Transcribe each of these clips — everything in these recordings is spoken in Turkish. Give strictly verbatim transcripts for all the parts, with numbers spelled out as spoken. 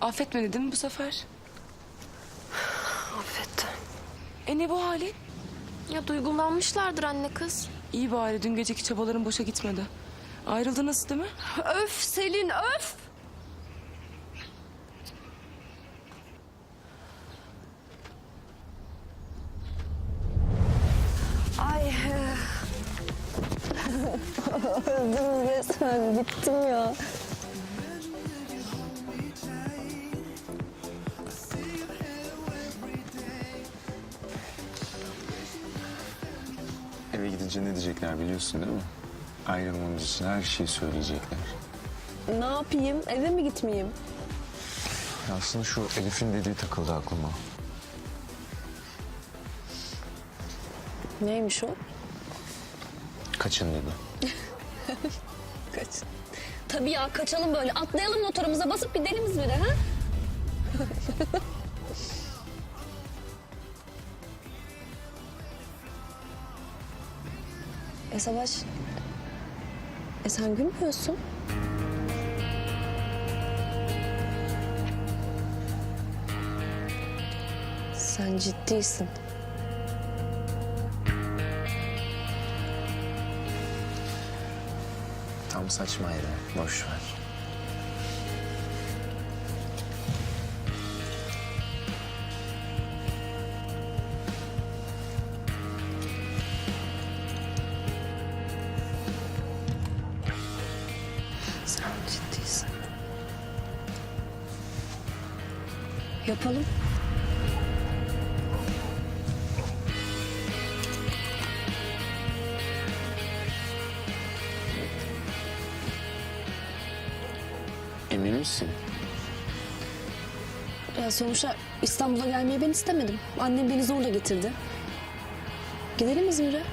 Affetmedi değil mi bu sefer? Affetti. E ne bu halin? Ya duygulanmışlardır anne kız. İyi bari dün geceki çabaların boşa gitmedi. Ayrıldınız değil mi? Öf Selin öf! Ay. Öldüm resmen, bittim ya. Eve gidince ne diyecekler biliyorsun değil mi? Ayrılmamız için her şeyi söyleyecekler. Ne yapayım? Eve mi gitmeyeyim? Ya aslında şu Elif'in dediği takıldı aklıma. Neymiş o? Kaçın dedi. Kaç. Tabii ya, kaçalım böyle. Atlayalım motorumuza, basıp gidelim İzmir'e ha? E Savaş, e sen gülmüyorsun. Sen ciddisin. Tam saçmaydı. Boş ver. Sen ciddisin. Yapalım. Emin misin? Ya sonuçta İstanbul'a gelmeyi ben istemedim. Annem beni zorla getirdi. Gidelim İzmir'e.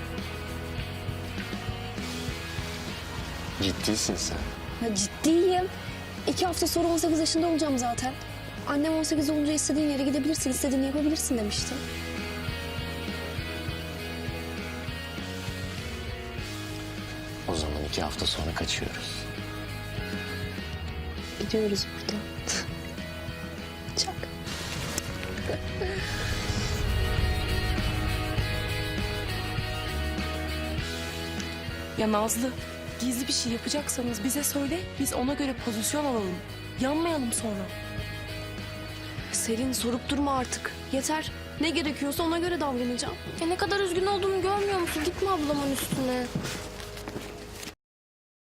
Ciddisin sen. Ya ciddiyim. İki hafta sonra on sekiz yaşında olacağım zaten. Annem on sekiz olunca istediğin yere gidebilirsin, istediğini yapabilirsin demişti. O zaman iki hafta sonra kaçıyoruz. Gidiyoruz buradan. Çak. Ya Nazlı, gizli bir şey yapacaksanız bize söyle. Biz ona göre pozisyon alalım. Yanmayalım sonra. Selin, sorup durma artık. Yeter. Ne gerekiyorsa ona göre davranacağım. Ya ne kadar üzgün olduğumu görmüyor musun? Gitme ablamın üstüne.